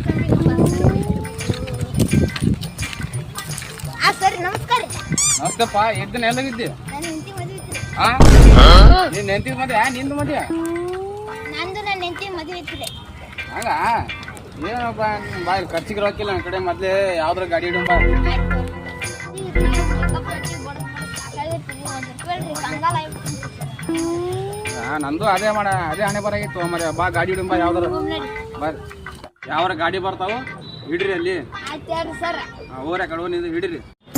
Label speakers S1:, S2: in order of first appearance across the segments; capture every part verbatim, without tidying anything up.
S1: ಸರಿ ನಮಸ್ಕಾರ.
S2: ನಮಸ್ತೆಪ್ಪ. ಎಷ್ಟು ದಿನ ಎಲ್ಲಾಗಿದ್ದಿ?
S1: ನನ್ನ ಹೆಂಡತಿ ಮದುವೆ ಇತ್ತು.
S2: ಹಾ ನಿನ್ನ ಹೆಂಡತಿ ಮದ್ವೆ ನಿಂದು ಮದ್ವೆ?
S1: ನಂದು ನನ್ನ ಹೆಂಡತಿ ಮದುವೆ ಇತ್ತು.
S2: ಹಂಗ ಏನಪ್ಪ ಬಾ ಇಲ್ಲಿ ಖರ್ಚಿಗೆ ರೊಕ್ಕಿಲ್ಲ ನನ್ನ ಕಡೆ. ಮೊದ್ಲೇ ಯಾವ್ದ್ರ ಗಾಡಿ ಹಿಡಿಯೋ ಬಾ. ಹಾ ನಂದು ಅದೇ ಮಾಡ ಅದೇ ಹಣೆ ಬರಾಗಿತ್ತು ಮರ. ಬಾ ಗಾಡಿ ಹಿಡಿಯೋ ಬಾ. ಯಾವ್ದಾರ ಬರ್ರಿ. ಯಾವ್ರ ಗಾಡಿ ಬರ್ತಾವ ಹಿಡ್ರಿ ಅಲ್ಲಿ. ಊರ ಕಡೆ ನೀವು ಹಿಡಿರಿ.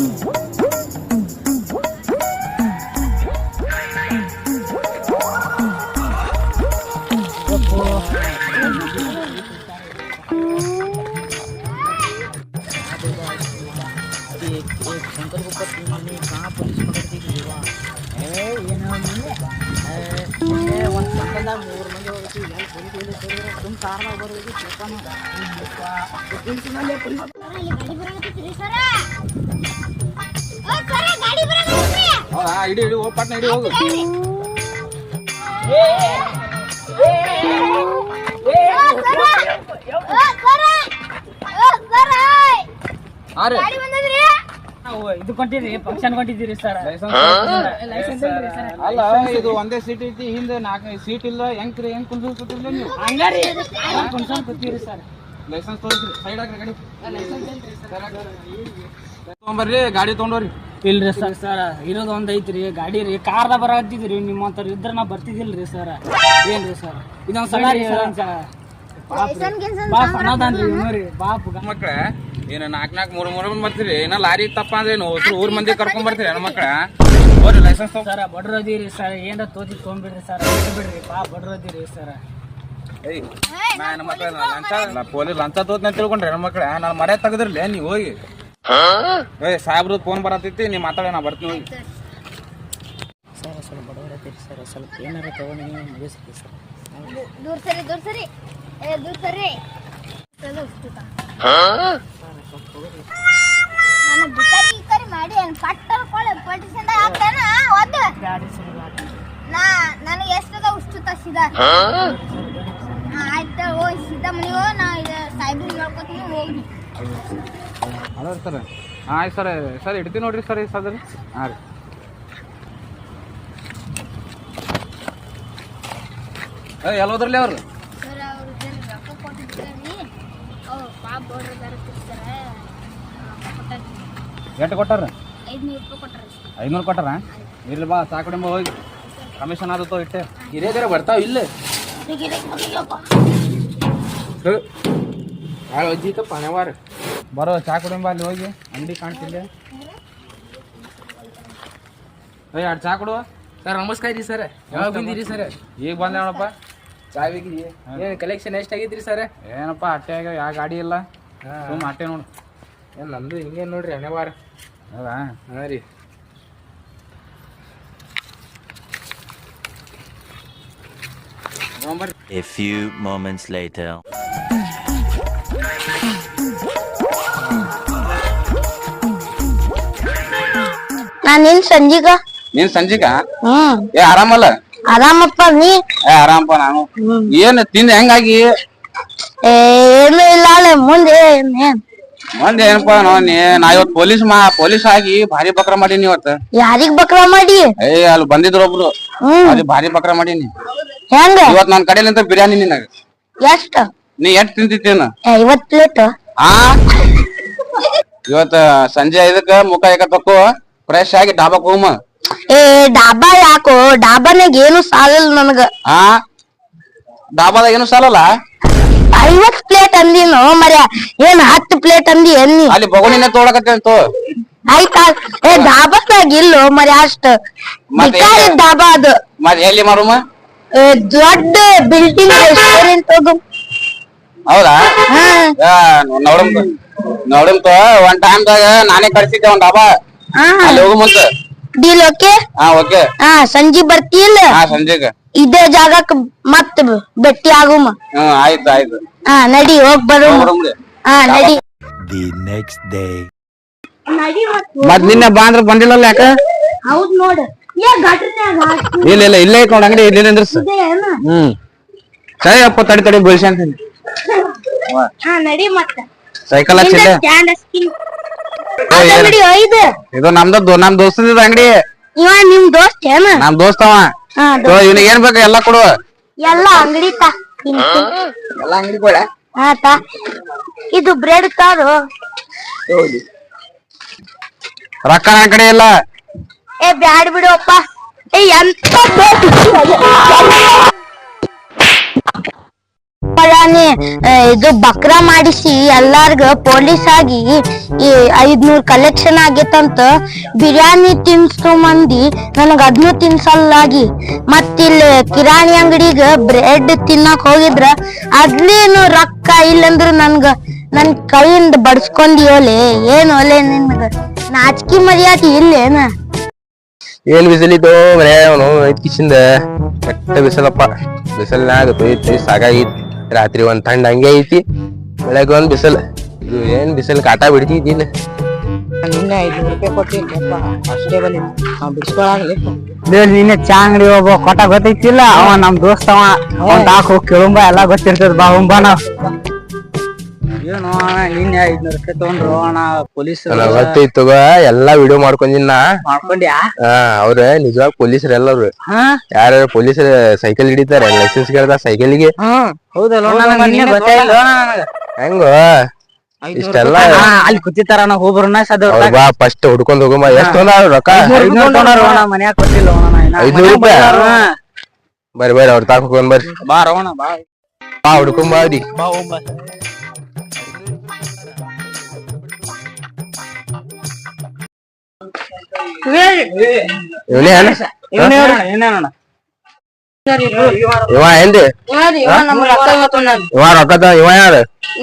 S3: शंकर को पति मैंने कहाँ पुलिस पकड़ती थी वा ए ये ना मैंने ए वन संकल ಮೂರು ಮಂದಿ ಹೋಗಿ ಇಲ್ಲಿ ಪೊಲೀಸ್ ಹೋಗಿ ತುಮ್ ಕಾರಣ ಬರೋದು ಚೇಪನ ಪೊಲೀಸ್ ಮೇಲೆ ಪೊಲೀಸ್
S1: ಗಾಡಿ ಬರಕತ್ತೀರಿ ಸರ. ಓ ಸರ ಗಾಡಿ ಬರಕತ್ತೀರಿ.
S2: ಹೌದಾ ಹಿಡಿ ಹಿಡಿ ಹೋಗಿ ಪಟ್ನ ಹಿಡಿ ಹೋಗು.
S3: ಏ ಏ
S1: ಸರ ಓ ಸರ ಓ ಸರ
S2: ಅರೆ
S1: ಗಾಡಿ ಬಂದದ್ರಿ.
S3: ನಾವು ಇದು ಕೊಂಡಿರಿ ಫಂಕ್ಷನ್ ಕೊಂಡಿದ್ದೀರಿ ಸರ್. ಲೈಸೆನ್ಸ್
S2: ಅಲ್ಲ ಇದು ಒಂದೇ ಸೀಟ್ ಐತಿ. ಹಿಂದೆ ನಾಲ್ಕು ಸೀಟ್ ಇಲ್ಲ. ಹೆಂಗ್ರಿ ಹೆಂಗ್ ಕುಂದ್ರಿಸ್ಕೊತಿರ್ಲಿ ನೀವು?
S3: ಹಂಗಾರಿ ಕುಣ್ಸೊಂಡ್ ಕೂತೀರಿ ಸರ್.
S2: ಲೈಸೆನ್ಸ್ ತೋರಿಸ್ರಿ. ಸೈಡ್ ಹಾಕ್ರಿ ಗಾಡಿ. ತಗೊಂಬರ್ರಿ ಗಾಡಿ ತಗೊಂಡೋರಿ.
S3: ಇಲ್ರಿ ಸರ್ ಸರ್ ಇರೋದು ಒಂದ್ ಐತ್ರಿ ಗಾಡಿ ರೀ. ಕಾರ್ದ ಬರತ್ತಿದ್ರಿ ನಿಮ್ಮಂತವ್ರು ಇದ್ರ ನಾ ಬರ್ತಿದಿಲ್ರಿ ಸರ್. ಏನ್ರಿ ಸರ್ ಇದೊಂದ್ ಸಲ ರೀ ಬಾಪ್ ಅನ್ನೋದನ್ರಿ ನೋಡ್ರಿ ಬಾಪ್
S2: ಮಕ್ಳ ಏನ ನಾಲ್ಕ್ ನಾಲ್ಕು ಮೂರ್ ಮೂರ್ ಮಂದಿ ಬರ್ತೀರಿ. ಏನ ಲಾರಿ ತಪ್ಪ ಅಂದ್ರೆ ಊರ್ ಮಂದಿ ಕರ್ಕೊಂಡ್ ಬರ್ತೀರಿ ನನ್ನ ಮಕ್ಳ. ಹೋರಿ ಲೈಸೆನ್ಸ್
S3: ಸರ್ ಬಡ್ರದಿರಿ ಸರ್. ಏನ್ರ ತೋತಿ ತೊಗೊಂಡ್ಬಿಡ್ರಿ ಸರ್. ಬಿಡ್ರಿ ಬಾ ಬಡ್ರದಿರಿ ಸರ್.
S2: ಏಯ್ ನನ್ನ ಮಕ್ಳ ಲಂಚ ಪೊಲೀಸ್ ಲಂಚ ತೋತ್ನ ತಿಳ್ಕೊಂಡ್ರಿ ನನ್ನ ಮಕ್ಳ. ನಾನು ಮರ್ಯಾದ ತೆಗದ್ರಲ್ಲ ನೀವು ಹೋಗಿ. ಏಯ್ ಸಾಹೇಬ್ರದ್ದು ಫೋನ್ ಬರತೈತಿ. ನೀವು ಮಾತಾಡ ನಾ ಬರ್ತೀನಿ ಹೋಗಿ.
S3: ಸರ್ ಸ್ವಲ್ಪ ಬಡವರತ್ತೀರಿ ಸರ್. ಸ್ವಲ್ಪ ಏನಾರ ತಗೊಂಡು ನೀವು ಮುಗಿಸ್ರಿ ಸರ್.
S1: ದೂರ ಸರಿ ದೂರ ಸರಿ ಏ ದೂರ ಸರಿ. ನಾನು ಬಿಕಾರಿ ಗಿಕಾರಿ ಮಾಡಿ ಏನು ಪಟ್ಟರ್ ಕೊಳ್ಳೆ ಪೊಲಿಟಿಷನ್ ಹಾಕ್ತಾನ ಒಂದು
S3: ಗಾಡಿ ಸುಳ್ಳು
S1: ನಾ ನನಗೆ ಎಷ್ಟದ ಉಷ್ಟು ತಸಿದ. ಆಯ್ತು ಹೋಗಿ ಸೀದಾ ಮನೆ ಹೋಗಿ ನಾ ಇದು ಸಾಯ್ಬ್ರಿ ನೋಡ್ಕೊತೀನಿ ಹೋಗಿ.
S2: ಅದ ಸರ್ ಆಯ್ತು ಸರ್ ಸರ್ ಇಡ್ತೀನಿ ನೋಡ್ರಿ ಸರ್ ಈ ಸದ್ರಿ. ಹಾಂ ರೀ ಏ ಎಲ್ಲೋದ್ರಲ್ಲಿ ಅವ್ರು
S1: ಸರ್ ಅವ್ರು ರೊಕ್ಕ ಕೊಟ್ಟಿದ್ದೀರಿ. ಅವ್ರು ಪಾಪ ಬೋರ್ಡ್ರ ಬರುತ್ತಿರ್ತಾರೆ.
S2: ಎಷ್ಟು ಕೊಟ್ಟಾರ?
S1: ಐದುನೂರು ರೂಪಾಯಿ ಕೊಟ್ಟರೆ.
S2: ಐನೂರು ಕೊಟ್ಟಾರ? ಇರ್ಲಿ ಬಾ ಸಾಕಡಿಂಬ ಹೋಗಿ ಕಮಿಷನ್ ಆದತ್ತೋ ಇಟ್ಟೆ. ಹಿರಿಯದಾರ ಬರ್ತಾವ ಇಲ್ಲ ಅಜ್ಜಿತ ಪಣವಾರ ಬರೋ ಚಾ ಕುಡಿಂಬ ಅಲ್ಲಿ ಹೋಗಿ ಅಂಗಡಿ ಕಾಣ್ತಿಲ್ಲ. ಏ ಎರಡು ಚಾ ಕೊಡುವ.
S3: ಸರ್ ನಮಸ್ಕಾರ ರೀ ಸರ್. ಯಾವಾಗ ಬಂದಿರಿ ಸರ್?
S2: ಈಗ ಬಂದೆ ನೋಡಪ್ಪ.
S3: ಚಾವಿಗೆ ಏನು ಕಲೆಕ್ಷನ್ ಎಷ್ಟಾಗೈತ್ರಿ ಸರ್?
S2: ಏನಪ್ಪ ಅಟ್ಟೆ ಆಗ್ಯಾವ. ಯಾವ ಗಾಡಿ ಇಲ್ಲ ಸುಮ್ಮ ಅಟ್ಟೆ ನೋಡು.
S3: ಏನು ನಂದು ಹಿಂಗೆ ನೋಡ್ರಿ ಹಣೆವಾರ.
S2: ಹೌದಾ?
S3: ಹಾಂ ರೀ
S4: A few moments later.
S1: ನಾನಿನ್ ಸಂಜಿಗ.
S2: ನೀನ್ ಸಂಜಿಗ?
S1: ಹ್ಮ್
S2: ಏ ಆರಾಮಲ್ಲ?
S1: ಆರಾಮಪ್ಪ ನೀ?
S2: ಏ ಆರಾಮಪ್ಪ ನಾನು. ಏನ್ ತಿಂದ ಹೆಂಗಾಗಿ?
S1: ಏನು ಇಲ್ಲ ಮುಂದೆ
S2: ಒಂದ್ ಏನಪ್ಪಾ ನೋ ನೀ ನಾ ಇವತ್ ಪೊಲೀಸ್ ಮಾ ಪೊಲೀಸ್ ಆಗಿ ಭಾರಿ ಬಕ್ರ ಮಾಡೀನಿ ಇವತ್ತ.
S1: ಯಾರಿಗ್ ಬಕ್ರ ಮಾಡಿ?
S2: ಏ ಅಲ್ಲಿ ಬಂದಿದ್ರು ಒಬ್ರು. ಅಲ್ಲಿ ಭಾರಿ ಬಕ್ರ ಮಾಡೀನಿ.
S1: ಹೆಂಗ?
S2: ಇವತ್ ನನ್ ಕಡೆಲಿಂದ ಬಿರಿಯಾನಿ ನಿನಗ.
S1: ಎಷ್ಟ?
S2: ನೀ ಎಷ್ಟ್ ತಿಂತಿದ್ದೇನ?
S1: ಐವತ್ ಪ್ಲೇಟ್.
S2: ಆ ಇವತ್ತ ಸಂಜೆ ಐದಕ್ಕ ಮುಖ ಯಾಕ ತಕ್ಕೋ ಫ್ರೆಶ್ ಆಗಿ ಡಾಬಾಕ್ ಹೋಗಮ್ಮ.
S1: ಏ ಡಾಬಾ ಯಾಕೋ? ಡಾಬಾನಾಗ ಏನು ಸಾಲಲ್ಲ ನನಗ.
S2: ಆ ಡಾಬಾದಾಗ ಏನು ಸಾಲಲ್ಲ?
S1: ಐವತ್ ಪ್ಲೇಟ್ ಅಂದಿನು ಮರ್ಯ. ಏನ್ ಹತ್ತು ಪ್ಲೇಟ್ ಅಂದಿ ಎನ್ನಿ?
S2: ಅಲ್ಲಿ ಬಗುಣಿನ ತೋಳಕತ್ತೇಂತು.
S1: ಆಯ್ತಾ? ಏ ಡಾಬಾದಾಗ ಇಲ್ಲೋ ಮರ್ಯ ಅಷ್ಟ. ಬಿಕಾರಿ ಡಾಬಾ ಅದು.
S2: ಮತ್ ಎಲ್ಲಿ ಮಾರುಮ?
S1: ದೊಡ್ಡ ಬಿಲ್ಡಿಂಗ್ ರೆಸ್ಟೋರೆಂಟ್ ಅದು.
S2: ಹೌದಾ? ನೋಡಮ್ ನೋಡಂತ ಒಂದ್ ಟೈಮ್ದಾಗ ನಾನೇ ಕಳ್ಸಿದ್ದೆ ಒಂದ್ ಡಾಬಾ. ಅಲ್ಲಿ ಹೋಗು ಮುಂದ.
S1: Deal okay?
S2: ಹಾ ಓಕೆ.
S1: ಹಾ ಸಂಜೆ ಬರ್ತಿಲ್ಲ?
S2: ಹಾ ಸಂಜೆಗ
S1: ಇದೇ ಜಾಗಕ್ ಮತ್ ಭೇಟಿ ಆಗುಮ.
S2: ಹ್ಮ್ ಆಯ್ತು ಆಯ್ತು.
S1: ಹಾ ನಡಿ ಹೋಗ್ ಬರು. ಹಾ ನಡಿ.
S4: The next day.
S2: ಮತ್ ನಿನ್ನೆ ಬಾ ಅಂದ್ರ ಬಂದಿಲ್ಲಲ್ಲ ಯಾಕ?
S1: ಹೌದ್ ನೋಡ್. ಏ ಘಟನ್ಯಾಗ
S2: ಇಲ್ಲ ಇಲ್ಲ ಇಲ್ಲೇ ಐತ್ ನೋಡ್ ಅಂಗಡಿ. ಇಲ್ಲಿ ನಿಂದ್ರಸ್. ಹ್ಮ್ ಸರಿ ಅಪ್ಪ ತಡಿ ತಡಿ ಬಳ್ಸಿ ಅಂತೀನಿ.
S1: ಹಾ ನಡಿ ಮತ್ತ
S2: ಸೈಕಲ್ ಹಚ್ಚಿಲ್ಲ
S1: ಸ್ಟ್ಯಾಂಡ್ ಹಚ್ತೀನಿ ಅಂಗಡಿ ಐದು
S2: ಇದು ನಮ್ದು ನಮ್ ದೋಸ್ತದ ಅಂಗಡಿ
S1: ಇವ ನಿಮ್ ದೋಸ್ತ ಏನ
S2: ನಮ್ ದೋಸ್ತವ
S1: ಹಾ
S2: ಇವ್ನಿಗೆ ಏನ್ ಬೇಕು ಎಲ್ಲಾ ಕೊಡು
S1: ಎಲ್ಲ ಅಂಗಡಿ ತಾ
S2: ಎಲ್ಲಾ ಅಂಗಡಿ ಕೊಡ
S1: ಹಾ ತಾ ಇದು ಬ್ರೆಡ್ ತಾರು
S2: ರೊಕ್ಕ ನನ್ ಕಡೆ ಇಲ್ಲ
S1: ಏ ಬ್ಯಾಡ್ ಬಿಡುವಪ್ಪ ಏ ಎಂತ ಇದು ಬಕ್ರ ಮಾಡಿಸಿ ಎಲ್ಲಾರ್ಗ ಪೊಲೀಸ್ ಆಗಿ ಈ ಐದ್ನೂರ್ ಕಲೆಕ್ಷನ್ ಆಗೇತಂತ ಬಿರಿಯಾನಿ ತಿನ್ಸೋ ಮಂದಿ ನನಗ ಅದ್ನು ತಿನ್ಸಲ್ಲಾಗಿ ಮತ್ತಿಲ್ಲಿ ಕಿರಾಣಿ ಅಂಗಡಿಗ ಬ್ರೆಡ್ ತಿನ್ನಕ್ ಹೋಗಿದ್ರ ಅದ್ಲೇನು ರೊಕ್ಕ ಇಲ್ಲಂದ್ರ ನನ್ಗ ನನ್ ಕೈಯಿಂದ ಬಡ್ಸ್ಕೊಂದಿಯೋಲೆ ಏನ್ ಒಲೆ ನಿನ್ಗ ನಾಚಿಕೆ ಮರ್ಯಾದೆ ಇಲ್ಲೇನ
S5: ಏನ್ ಬಿಸಿಲಿದ್ದು ಮನೆ ಅವನು ಐದ್ ಕಿಶಿಂದ ಕೆಟ್ಟ ಬಿಸಿಲಪ್ಪ ಬಿಸಿಲ್ನಾಗ ತೊಯ್ತಿ ಸಾಕಾಗೈತಿ ರಾತ್ರಿ ಒಂದ್ ತಂಡ ಹಂಗೆ ಐತಿ ಬೆಳಗ್ಗೆ ಒಂದ್ ಬಿಸಿಲ್ ಇದು ಏನ್ ಬಿಸಿಲ್ ಕಾಟ ಬಿಡ್ತೈತಿ ಇಲ್ಲ
S3: ನಿನ್ನೆ ಐದ್ನೂರು ರೂಪಾಯಿ ಕೊಟ್ಟಿದ್ದಪ್ಪ ಅಷ್ಟೇ ಬಲಿ ನಾವ್ ಬಿಡ್ಸ್ಕೊಳಾಗ್ಲಿಪ್ಪ
S6: ನಿನ್ನೆ ಚಾ ಅಂಗಡಿ ಒಬ್ಬ ಕೊಟ್ಟ ಗೊತ್ತೈತಿಲ್ಲ ಅವ ನಮ್ ದೋಸ್ತ ಅವ ಅವ್ನ್ ತಾಕ ಹೋಗಿ ಕೇಳುಂಬ ಎಲ್ಲಾ ಗೊತ್ತಿರ್ತದ ಬಾ ಹುಂಬ ನಾವ್ ಏನು ಅಣ್ಣ ನಿನ್ನೆ ಐದ್ನೂರು ರೂಪಾಯಿ ತಗೊಂಡ್ರು ಅಣ್ಣ ಪೊಲೀಸ್
S5: ನನಗ್ ಗೊತ್ತೈತ್ ತಗೋ ಎಲ್ಲಾ ವಿಡಿಯೋ ಮಾಡ್ಕೊಂಡಿನ
S6: ಮಾಡ್ಕೊಂಡ್ಯಾ
S5: ಹಾ ಅವ್ರ ನಿಜವಾಗ ಪೊಲೀಸರು ಎಲ್ಲರು
S6: ಹಾ
S5: ಯಾರು ಪೊಲೀಸರು ಸೈಕಲ್ ಹಿಡಿತಾರೆ ಲೈಸೆನ್ಸ್ ಕೇಳ್ದ ಸೈಕಲ್ಗೆ
S6: ಹ್ಮ್ ಹೌದಲ್ಲ ನನಗ ನಿನ್ನೆ ಗೊತ್ತಾಯಿಲ್ಲ ನನಗ
S5: ಹೆಂಗೋ ಇಷ್ಟೆಲ್ಲ
S6: ಅಲ್ಲಿ ಕೂತಿತ್ತಾರ ನಾ ಹೋಗ್ಬರೋಣ ಸದ
S5: ಅವ್ರ ಬಾ ಫಸ್ಟ್ ಹುಡ್ಕೊಂಡ್ ಹೋಗಮ್ಮ ಎಷ್ಟ್ ತೊಗೊಂಡಾರ ರೊಕ್ಕ
S6: ಐದ್ನೂರು ತಗೊಂಡಾರ ಅಣ್ಣ ಮನ್ಯಾಗ ಕೊಟ್ಟಿಲ್ಲ ಅಣ್ಣ ಇನ್ನ
S5: ಐದ್ನೂರು ರೂಪಾಯಿ ಬರ್ರಿ ಬರ್ರಿ ಅವ್ರ ತಾಕ ಹೋಗೋಣ ಬರ್ರಿ
S6: ಬಾ ರವಣ ಬಾ
S5: ಬಾ ಹುಡ್ಕೊಂಡ್ ಬಾದಿ
S6: ಬಾ ಹೋಗ್ ಬಾ
S5: ಇವನೇ ಏನ
S6: ಇವನೇ ಏನೇನಣ್ಣ
S5: ಇವ ಏನ್ರಿ ಇವ ರೊಕ್ಕ ತ ಇವ ಯಾರು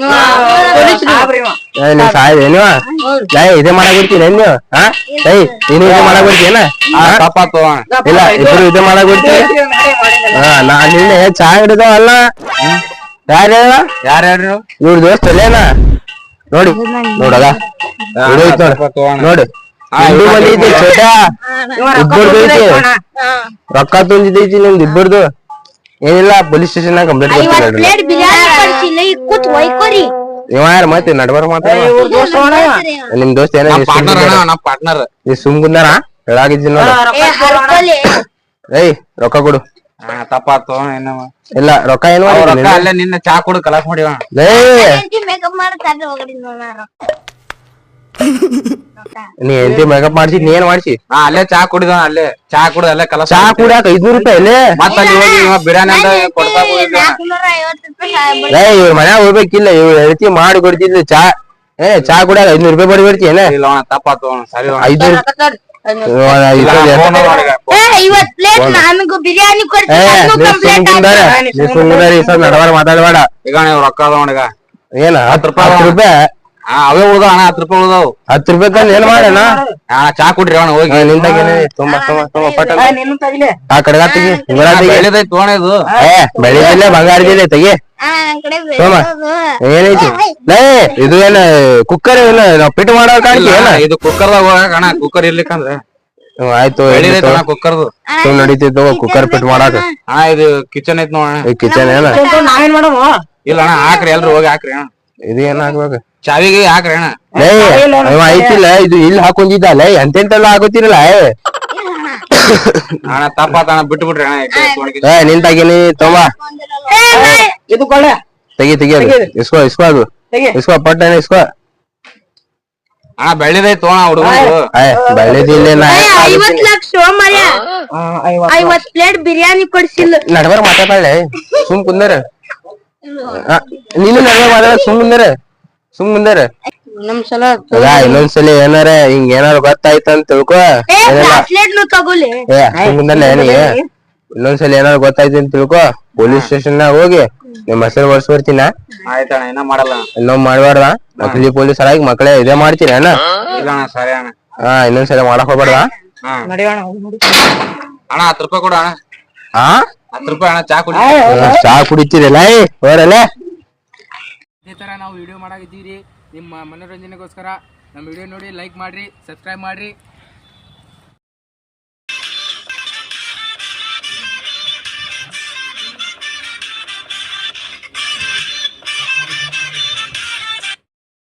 S5: ಏ ನೀವ್ ಸಾಯ್ ಏನಿವ ಏ ಇದೇ ಮಾಡಕ್ ಬಿಡ್ತೀನಿ ಏನ್ ನೀವು ಹಾ ಏಯ್ ನೀನು ಇದೇ ಮಾಡಕ್ ಬಿಡ್ತೀನ
S2: ತಪ್ಪಾತು
S5: ಇಲ್ಲ ಇಬ್ರು ಇದೇ ಮಾಡಕ್ ಬಿಡ್ತೀನಿ ಹಾ ನಾ ನಿನ್ನೆ ಚಾ ಹಿಡಿದವಲ್ಲ ಯಾರ
S2: ಯಾರು ಹೇಳ್ರಿ ನೀವು
S5: ಇವ್ರ ದೋಸ್ತ ಅಲ್ಲೇನ ನೋಡಿ ನೋಡಗ ಹಿಡಿಯೋಯ್ತು ನೋಡು ನೋಡು ಹಿಂದೂ ಮಂದಿ ಐತಿ ಚೋಟ ಇಬ್ಬರ್ದು ಐತಿ ರೊಕ್ಕ ತುಂಬಿದೈತಿ ನಿಮ್ದು ಇಬ್ಬರ್ದು ಏನಿಲ್ಲ ಪೊಲೀಸ್ ಸ್ಟೇಷನ್ ನಾಗ ಕಂಪ್ಲೇಂಟ್ ಕೊಡ್ತಾರೆ
S1: ಪ್ಲೇಟ್ ಬಿರಿಯಾನಿ ಕಳ್ಸಿಲ್ಲ ಈಗ ಕೂತ್ ಒಯ್ಕೋರಿ
S5: ಇವ ಯಾರು ಮತ್ತೆ ನಡ್ಬಾರ ಮಾತಾಡ ನಿಮ್ ದೋಸ್ತ ಏನ
S2: ಪಾರ್ಟ್ನರ್ ಅಣ್ಣ ನಮ್ ಪಾರ್ಟ್ನರ್
S5: ನೀ ಸುಮ್ ಕುಂದಾರ ಹೇಳಾಗಿದ್ದೀನಿ ನೋಡ
S1: ಏ ಹರ್ಕೊಲಿ
S5: ಏಯ್ ರೊಕ್ಕ ಕೊಡು
S2: ಹಾ ತಪ್ಪಾತು ಏನವ
S5: ಇಲ್ಲ ರೊಕ್ಕ ಏನ್
S2: ರೊಕ್ಕ
S5: ಮಾಡಿ
S2: ಅಲ್ಲೇ ನಿನ್ನ ಚಾ ಕುಡು ಕಲಾಸ್ ಮಾಡಿವ
S1: ಮೇಕಪ್ ಮಾಡ್ತಾರೆ ಹೋಗಡಿ ನೋಡ
S5: ನೀ ಎಂತಿ ಮೇಕಪ್ ಮಾಡ್ಸಿ ನೀ ಏನ್ ಮಾಡ್ಸಿ
S2: ಹಾ ಅಲ್ಲೇ ಚಾ ಕುಡಿದ ಅಲ್ಲೇ ಚಾ ಕುಡಿದ ಅಲ್ಲೇ ಕಲಾಸ್
S5: ಚಾ ಕುಡಿಯಾಕ ಐದ್ನೂರು ರೂಪಾಯಿ ಅಲ್ಲೇ
S2: ಮತ್ತ ಅಲ್ಲಿ ಹೋಗಿ ಇವ ಬಿರಿಯಾನಿ ಅಂತ ಕೊಡ್ತಾ ಹೋಗಿದ್ದ
S1: ನಾಲ್ಕುನೂರ ಐವತ್ತು ರೂಪಾಯಿ
S5: ಏ ಇವ್ರ ಮನ್ಯಾಗ ಹೋಗ್ಬೇಕಿಲ್ಲ ಇವ್ರ ಹೆಂಡತಿ ಮಾಡಿ ಕೊಡ್ತಿದ್ಲು ಚಾ ಏ ಚಾ ಕುಡಿಯಾಕ ಐದ್ನೂರು ರೂಪಾಯಿ ಬಡಿ ಬರ್ತಿ ಏನ
S2: ಇಲ್ಲ ಅಣ್ಣ ತಪ್ಪಾತು ಅಣ್ಣ ಸರಿ ಅಣ್ಣ.
S5: ಐದ್ನೂರು
S1: ಏ ಇವತ್ ಪ್ಲೇಟ್ ನನಗೂ ಬಿರಿಯಾನಿ ಕೊಡ್ತೀನಿ
S5: ಏ
S1: ಅದನ್ನೂ
S5: ನೀ
S1: ಕಂಪ್ಲೇಂಟ್
S5: ಸುಮ್ಕುಂದಾರ ನೀ ಸುಮ್ಕುಂದಾರ ಈ ಸಲ ನಡಬಾರ ಮಾತಾಡಬೇಡ
S2: ಈಗ ನೀವು ರೊಕ್ಕ ಅದಾವ ಅಣ್ಣ ಈಗ
S5: ಏನ ಹತ್ತು ರೂಪಾಯಿ ಹತ್ತು ರೂಪಾಯಿ
S2: ಹಾ ಅವೇ ಉಳ್ದಾವ ಅಣ್ಣ ಹತ್ತು ರೂಪಾಯಿ ಉಳ್ದಾವ್
S5: ಹತ್ತು ರೂಪಾಯಿ ತಂದ್ ಏನ್ ಮಾಡೋಣ
S2: ಹಾ ಚಾ ಕುಡ್ರಿ ಅಣ್ಣ ಹೋಗಿ
S5: ನಿಂದಾಗೇನೆ ತುಂಬಾ ತುಂಬಾ ತುಂಬಾ ಪಟ್ಟ
S6: ನಿನ್ನ ತಗಿಲೆ
S5: ಆ ಕಡೆಗ ತೆಗಿ ಇವರ ತೆಗಿ
S2: ಬೆಳೆದೈತಿ ತೋಣ ಇದು
S5: ಏ ಬೆಳಿದಿಲ್ಲ ಬಂಗಾರದಿಲ್ಲ ತೆಗಿ
S1: ಆ ನನ್ ಕಡೆ
S5: ಸೋಮ ಏನೈತಿ ಲೇ ಇದು ಏನ ಕುಕ್ಕರ್ ಏನ ನಾವ್ ಪಿಟ್ ಮಾಡೋ ಕಾಣಿಕೆ ಏನ
S2: ಇದು ಕುಕ್ಕರ್ದಾಗ ಹೋಗಾಕ ಅಣ್ಣ ಕುಕ್ಕರ್ ಇರ್ಲಿಕ್ಕಂದ್ರೆ
S5: ಹ್ಮ್, ಆಯ್ತು
S2: ಬೆಳಿದೈತಿ ಅಣ್ಣ ಕುಕ್ಕರ್ದು
S5: ಸುಮ್ ನಡೀತಿತ್ತು ಕುಕ್ಕರ್ ಪಿಟ್ ಮಾಡಾಕ
S2: ಅಣ್ಣ ಇದು ಕಿಚನ್ ಐತಿ ನೋಡ
S5: ಈ ಕಿಚನ್ ಏನ
S6: ನಾವೇನ್ ಮಾಡಮ್ಮ
S2: ಇಲ್ಲ ಅಣ್ಣ ಹಾಕ್ರಿ ಎಲ್ರು ಹೋಗಿ ಹಾಕ್ರಿ ಅಣ್ಣ
S5: ಇದು ಏನ್ ಹಾಕ್ಬೇಕು
S2: ಚಾವಿಗೆ ಹಾಕ್ರಿ ಅಣ್ಣ
S5: ಲೇ ಇವ ಐತಿಲ್ಲ ಇದು ಇಲ್ಲಿ ಹಾಕೊಂಡಿದ್ದಲ್ಲ ಎಂತೆಂತೆಲ್ಲ ಹಾಕೋತಿರಲ್ಲ ಏ
S2: ಅಣ್ಣ ತಪ್ಪಾತ ಅಣ್ಣ ಬಿಟ್ಟು ಬಿಡ್ರಿ ಅಣ್ಣ ಈ ಕಡೆ ತೋಣಿಗೆ.
S5: ಏ ನಿಂತಾಗಿನಿ ತೊಂಬ
S6: ಇದು ಕೊಳ್ಳೆ
S5: ತೆಗಿ ತೆಗಿ ಅದು ಇಸ್ಕೋ ಇಸ್ಕೋ ಅದು
S6: ತೆಗಿ.
S5: ಇಸ್ಕೋ ಪಟ್ಟಣ ಇಸ್ಕೋ
S2: ಅಣ್ಣ ಬೆಳ್ಳಿದೈತಿ ತೋಣ ಹುಡುಗರು
S5: ಏ ಬೆಳೆದಿಲ್ಲ ನಾ
S1: ಐವತ್ ಲಕ್ಷ ಮರ್ಯ ಐವತ್ ಪ್ಲೇಟ್ ಬಿರಿಯಾನಿ ಕೊಡ್ಸಿಲ್ಲ
S5: ನಡ್ಬಾರ ಮಾತಾಡಳೆ ಸುಮ್ ಕುಂದರ ನೀನು ನಡ್ಬಾರ ಮಾತಾಡ ಸುಮ್ ಕುಂದರ ಸುಮ್ ಕುಂದರ
S1: ನಮ್ ಸಲ
S5: ಅದ ಇನ್ನೊಂದ್ಸಲಿ ಏನಾರ ಹಿಂಗ್ ಏನಾರ ಗೊತ್ತಾಯ್ತ ಅಂತ ತಿಳ್ಕೊ
S1: ಏ
S5: ಏನಿಲ್ಲ
S1: ಬ್ರಾಸ್ಲೆಟ್ ನು ತಗೋಲಿ
S5: ಏ ಸುಮ್ ಕುಂದರ್ಲೆ ನೀ ಇನ್ನೊಂದ್ಸಲಿ ಏನಾರ ಗೊತ್ತಾಯ್ತು ಅಂತ ತಿಳ್ಕೊ ಪೊಲೀಸ್ ಸ್ಟೇಷನ್ ನಾಗ ಹೋಗಿ ನಿಮ್ ಹೆಸರು ಬರ್ಸ್ ಬರ್ತೀನ
S2: ಆಯ್ತಣ್ಣ ಇನ್ನ ಮಾಡಲ್ಲ
S5: ಇನ್ನೊಮ್ಮೆ ಮಾಡ್ಬಾರ್ದ ನಕಲಿ ಪೊಲೀಸರಾಗಿ ಮಕ್ಕಳೇ ಇದೇ ಮಾಡ್ತೀನಿ ಅಣ್ಣ
S2: ಇಲ್ಲ ಅಣ್ಣ ಸರಿ ಅಣ್ಣ
S5: ಹಾ ಇನ್ನೊಂದ್ಸಲಿ ಮಾಡಕ್ ಹೋಗ್ಬಾರ್ದ
S2: ಹಾ
S6: ನಡೆಯೋಣ
S2: ಅಣ್ಣ ಹತ್ತು ರೂಪಾಯಿ ಕೊಡು ಅಣ್ಣ
S5: ಹಾ
S2: ಹತ್ತು ರೂಪಾಯಿ ಅಣ್ಣ ಚಾ ಕುಡಿ
S5: ಚಾ ಕುಡಿತೀರಲ್ಲ ಹೋರಲ್ಲ
S7: ಇದೇ ಥರ ನಾವು ವಿಡಿಯೋ ಮಾಡಾಕಿದ್ದೀವಿ ನಿಮ್ಮ ಮನೋರಂಜನೆಗೋಸ್ಕರ ನಮ್ಮ ವಿಡಿಯೋ ನೋಡಿ ಲೈಕ್ ಮಾಡಿರಿ ಸಬ್ಸ್ಕ್ರೈಬ್ ಮಾಡಿರಿ